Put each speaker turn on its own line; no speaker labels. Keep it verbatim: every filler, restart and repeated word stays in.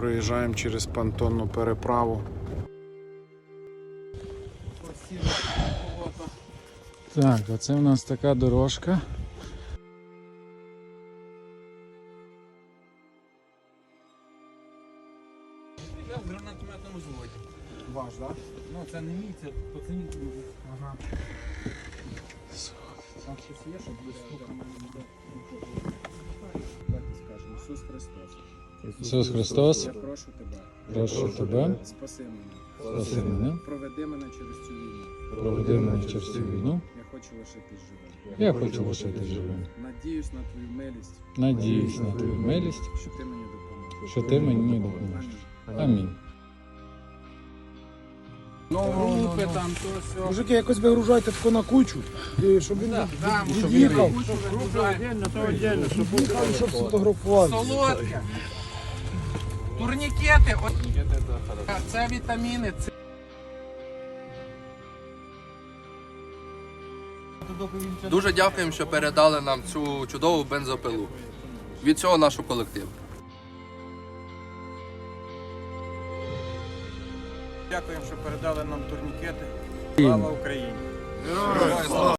Проїжджаємо через понтонну переправу. Так, оце у нас така дорожка.
Я в гранатометному зводі.
Ваш, так?
Ну це не мій, це пацанів.
Ага. Там щось є, щоб ви стукали? Давайте скажемо. Ісус Христос.
Ісус Христос,
Я прошу тебе.
прошу тебе,
Спаси мене.
спаси мене,
Проведи мене через цю війну.
проведи мене через цю війну.
Я хочу лишитись живим.
Я хочу лишитись живим.
Надіюсь на твою милість,
Надіюсь на твою милість,
що ти мені допоможеш.
що ти мені допоможеш.
Амінь.
Амінь.
Ну, групи там, то все.
Мужики, якось вигружайте тако на кучу, і щоб він
Там, щоб
від'їхав,
щоб
від'їхав і щоб сфотографував.
солодке. Турнікети. От... Це вітаміни. Це...
Дуже дякуємо, що передали нам цю чудову бензопилу. Від цього нашого колективу.
Дякуємо, що передали нам турнікети. Слава Україні!